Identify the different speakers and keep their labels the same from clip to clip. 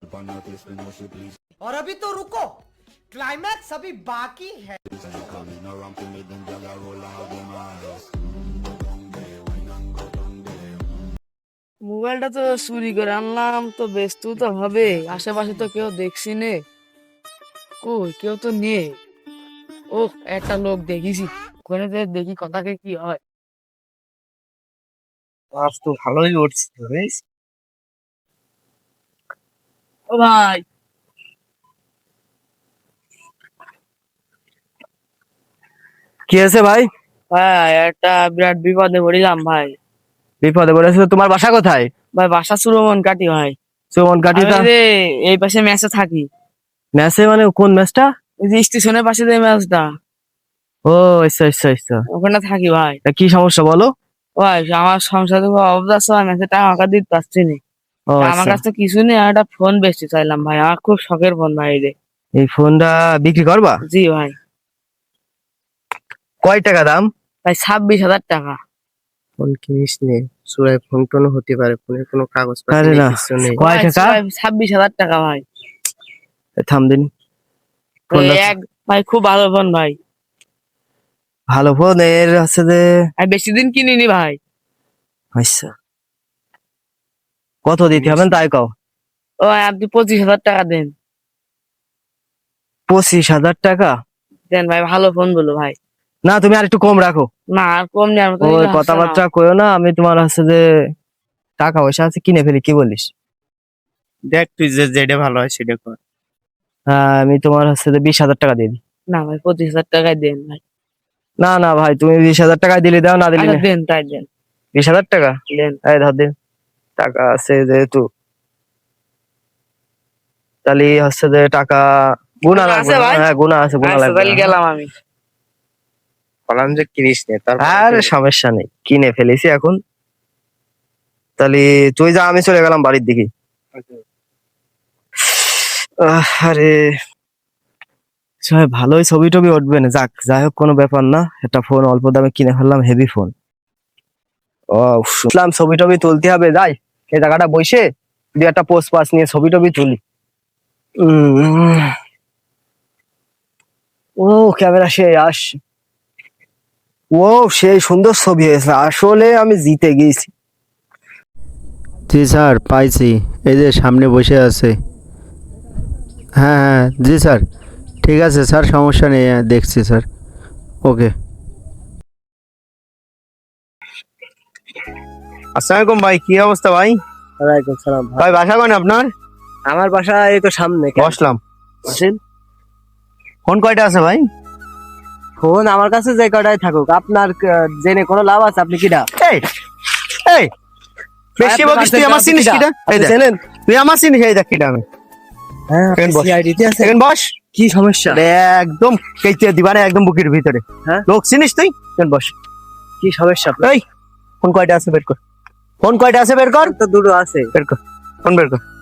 Speaker 1: और अभी तो रुको, क्लाइमैक्स अभी बाकी है।
Speaker 2: মোবাইলটা তো চুরি করে আনলাম, তো ব্যস্ত তো হবে, আশেপাশে তো কেউ দেখছি নে, কই কেউ তো নেই। ও একটা লোক দেখিছি, ওখানে যে দেখি কথাকে কি হয়।
Speaker 3: আজ তো ভালোই উঠছে বেশ।
Speaker 2: ও ভাই,
Speaker 3: কি আছে ভাই?
Speaker 2: ভাই একটা বিরাট বিপদে পড়িলাম ভাই।
Speaker 3: বিপদে পড়েছিল? তোমার বাসা কোথায়?
Speaker 2: ভাই বাসা সুরমন কাটি ভাই।
Speaker 3: সুমন
Speaker 2: আমি
Speaker 3: কাটিটা
Speaker 2: এই যে এই পাশে ম্যাচে থাকি,
Speaker 3: ম্যাচে? মানে কোন ম্যাচটা?
Speaker 2: ওই যে স্টেশনের পাশে যে ম্যাচটা,
Speaker 3: ও আচ্ছা আচ্ছা আচ্ছা।
Speaker 2: ওখানে থাকি ভাই।
Speaker 3: তা কি সমস্যা বলো?
Speaker 2: ভাই আমার সংসারে খুব অবস্থা আছে, আমি ম্যাচে টাকা আমাকে দিতে পারছি না।
Speaker 3: ও
Speaker 2: আমার
Speaker 3: আচ্ছা,
Speaker 2: কাছে তো কিছু নেই, আমি একটা ফোন বেচতে চাইলাম ভাই, আমার খুব শখের ফোন ভাই রে।
Speaker 3: এই ফোনটা বিক্রি করবা?
Speaker 2: জি ভাই।
Speaker 3: কয় টাকা দাম?
Speaker 2: ভাই 26,000 টাকা।
Speaker 3: ফোন কিনিস নে, চুরাই ফোন টোন হতে পারে, ফোনের কোনো কাগজপত্র নেই, কিছু নেই। কয়
Speaker 2: ভাই,
Speaker 3: টাকা?
Speaker 2: 26,000 টাকা ভাই।
Speaker 3: থাম দিন। ফোনটা
Speaker 2: এক ভাই খুব ভালো ফোন ভাই,
Speaker 3: ভালো ফোন, এর আছে যে
Speaker 2: আমি বেশি দিন কিনিনি ভাই।
Speaker 3: আচ্ছা, কত দিতে হবে তাই কও।
Speaker 2: ও ভাই, আপনি 25,000 টাকা দেন।
Speaker 3: 25,000 টাকা?
Speaker 2: দেন ভাই, ভালো ফোন বলো ভাই।
Speaker 3: না তুমি আর একটু কম রাখো।
Speaker 2: না আর কম নেওয়ার মতো
Speaker 3: ওই
Speaker 2: কিছু হচ্ছে না।
Speaker 3: কথাবার্তা কইও না, আমি তোমার হচ্ছে যে টাকা পয়সা আছে কিনে ফেলি, কি বলিস?
Speaker 4: দেখ তুই যে যেটা ভালো হয় সেটা কর।
Speaker 3: হ্যাঁ, আমি তোমার হচ্ছে যে 20,000 টাকা দিয়ে দিই।
Speaker 2: না ভাই, 25,000 টাকায় দেন ভাই।
Speaker 3: না না ভাই, তুমি 20,000 টাকায় দিলে দাও, না দিলে
Speaker 2: আচ্ছা
Speaker 3: না।
Speaker 2: দেন, তাই দেন।
Speaker 3: 20,000 টাকা?
Speaker 2: দেন।
Speaker 3: এই ধর দিন, টাকা আছে যেহেতু, তাহলে হচ্ছে যে টাকা গুণা
Speaker 2: টাকা
Speaker 3: লাগবে
Speaker 2: আছে
Speaker 3: না?
Speaker 2: ভাই?
Speaker 3: হ্যাঁ গুণা আছে, গুণা
Speaker 2: আচ্ছা
Speaker 3: লাগবে
Speaker 2: তাহলে
Speaker 3: না।
Speaker 2: গেলাম আমি।
Speaker 4: বললাম যে কিনিস নে
Speaker 3: আর সমস্যা নেই, কিনে ফেলেছি এখন। তাহলে তুই যা, আমি চলে গেলাম বাড়ির দিকে। আরে সবাই ভালোই ছবি টবি উঠবে না, যাক যাই হোক কোনো ব্যাপার না, একটা ফোন অল্প দামে কিনে ফেললাম, হেভি ফোন। ও শুনলাম ছবি টবি তুলতে হবে, যাই এই জায়গাটা বসে দুই একটা পোস্ট পাস নিয়ে ছবি টবি তুলি। ও ক্যামেরা সে আস, ও সেই সুন্দর ছবি হয়েছে, আসলে আমি জিতে গিয়েছি।
Speaker 5: জি স্যার, পাইছি, এই যে সামনে বসে আছে। হ্যাঁ হ্যাঁ জি স্যার, ঠিক আছে স্যার, সমস্যা নেই, দেখছি স্যার, ওকে।
Speaker 4: আসসালামু আলাইকুম ভাই, কি অবস্থা ভাই?
Speaker 3: ওয়ালাইকুম সালাম ভাই।
Speaker 4: ভাই বাসা কোন আপনার?
Speaker 3: আমার বাসা এই তো সামনে।
Speaker 4: বসলাম।
Speaker 3: আসেন।
Speaker 4: ফোন কয়টা আছে ভাই?
Speaker 3: ফোন আমার কাছে যে কটাই থাকুক, আপনার জেনে কোনো লাভ আছে? আপনি কিটা?
Speaker 4: এই এই বেশি
Speaker 3: আপনার
Speaker 4: বকিস তুই,
Speaker 3: কাছে
Speaker 4: আমার চিনিস
Speaker 3: কিটা?
Speaker 4: কিটা? এই
Speaker 3: আপনি
Speaker 4: দেখ,
Speaker 3: চেনেন?
Speaker 4: তুই আমার চিনিস, এই দেখ কিটা আমি।
Speaker 3: হ্যাঁ,
Speaker 4: এখানে বস।
Speaker 3: CID তে আছে।
Speaker 4: এখানে বস।
Speaker 3: কি সমস্যা?
Speaker 4: আরে একদম কেটে দিবা না, একদম বুকের ভিতরে।
Speaker 3: হ্যাঁ?
Speaker 4: লোক চিনিস তুই? এখানে বস।
Speaker 3: কি সমস্যা আপনার?
Speaker 4: এই ফোন কয়টা আছে বের কর, ফোন কয়টা আছে বের কর,
Speaker 3: ফোন তো দুটো আছে।
Speaker 4: বের কর, ফোন বের কর।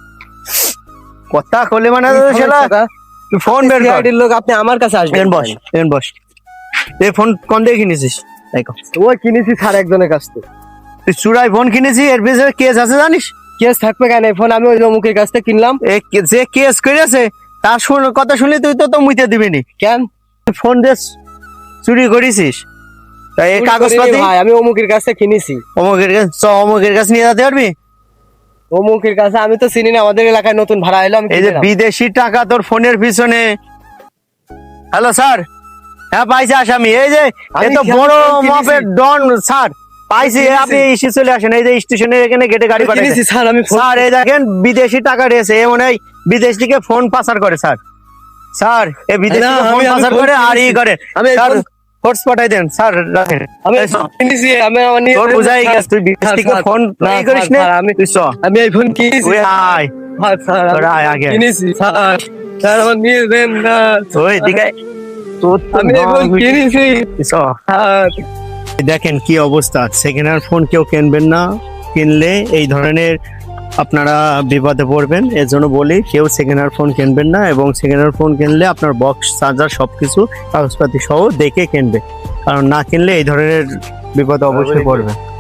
Speaker 4: কথা কইলে মানে
Speaker 3: কি
Speaker 4: শালা,
Speaker 3: সমস্যা?
Speaker 4: তুই ফোন বের কর।
Speaker 3: CID র লোক, আপনি আমার কাছে আসবেন।
Speaker 4: এখানে বস, এখানে বস। এই ফোন কোন দিয়ে কিনেছিস? দেখো,
Speaker 3: ওই কিনেছি স্যার একজনের কাছ থেকে।
Speaker 4: তুই চুরাই ফোন কিনেছিস, এর পিছনে কেস আছে জানিস?
Speaker 3: কেস থাকবে কেন? এই ফোন আমি ওই অমুকের কাছ থেকে কিনলাম।
Speaker 4: যে কেস করেছে তার কথা শুনলে তুই তো মুইতে দিবি নি।
Speaker 3: কেন?
Speaker 4: ফোন দিয়ে চুরি করেছিস, তাই এই কাগজপাতি
Speaker 3: ভাই আমি অমুকের কাছ থেকে কিনেছি।
Speaker 4: অমুকের কাছে নিয়ে যেতে পারবি?
Speaker 3: অমুকের কাছে আমি তো চিনি না, আমাদের এলাকায় নতুন ভাড়া এলাম।
Speaker 4: এই যে বিদেশি টাকা তোর ফোনের পিছনে। হ্যালো স্যার, হ্যাঁ পাইছি আসামি, এই যে
Speaker 3: আমি
Speaker 4: এত
Speaker 3: খেয়াল
Speaker 4: বড়
Speaker 3: করে কিনেছি।
Speaker 4: মাপের ডন স্যার, পাইছি।
Speaker 3: কিনেছি।
Speaker 4: আপনি এসে চলে আসেন, এই যে স্টেশনের এখানে গেটে গাড়ি
Speaker 3: কিনেছি
Speaker 4: পাঠিয়েছে
Speaker 3: স্যার আমি।
Speaker 4: স্যার। এই দেখেন বিদেশি টাকা রয়েছে, এ মনে হয় বিদেশ থেকে ফোন পাচার করে স্যার। স্যার এ বিদেশ
Speaker 3: না,
Speaker 4: থেকে ফোন
Speaker 3: আমি
Speaker 4: পাচার
Speaker 3: ফোন
Speaker 4: করে আর ই
Speaker 3: কিনেছি।
Speaker 4: করে।
Speaker 3: আমি
Speaker 4: স্যার
Speaker 3: ফোন-
Speaker 4: ফোর্স পাঠাই দেন স্যার, রাখেন।
Speaker 3: আমি
Speaker 4: এই চ।
Speaker 3: কিনেছি, আমি আমার নিয়ে
Speaker 4: তোর বুঝাই গেছে, তুই বিদেশ থেকে
Speaker 3: স্যার,
Speaker 4: ফোন
Speaker 3: না,
Speaker 4: ই করিস না,
Speaker 3: স্যার, আমি
Speaker 4: তুই চ।
Speaker 3: আমি এই ফোন কিনেছি।
Speaker 4: তুই আয়,
Speaker 3: স্যার
Speaker 4: তোরা আয় আগে।
Speaker 3: কিনেছি স্যার। স্যার আমার নিয়ে দেন না।
Speaker 4: ওই দিকে তোর তো
Speaker 3: আমি এই ফোন
Speaker 4: দম-
Speaker 3: কিনেছি
Speaker 4: তুই চ।
Speaker 3: স্যার।
Speaker 4: দেখেন কি অবস্থা, সেকেন্ড হ্যান্ড ফোন কেউ কিনবেন না, কিনলে এই ধরনের আপনারা বিপদে পড়বেন। এর জন্য বলি কেউ সেকেন্ড হ্যান্ড ফোন কিনবেন না, এবং সেকেন্ড হ্যান্ড ফোন কিনলে আপনার বক্স চার্জার সবকিছু কাগজপাতি সহ দেখে কিনবে, কারণ না কিনলে এই ধরনের বিপদে অবশ্যই পড়বে।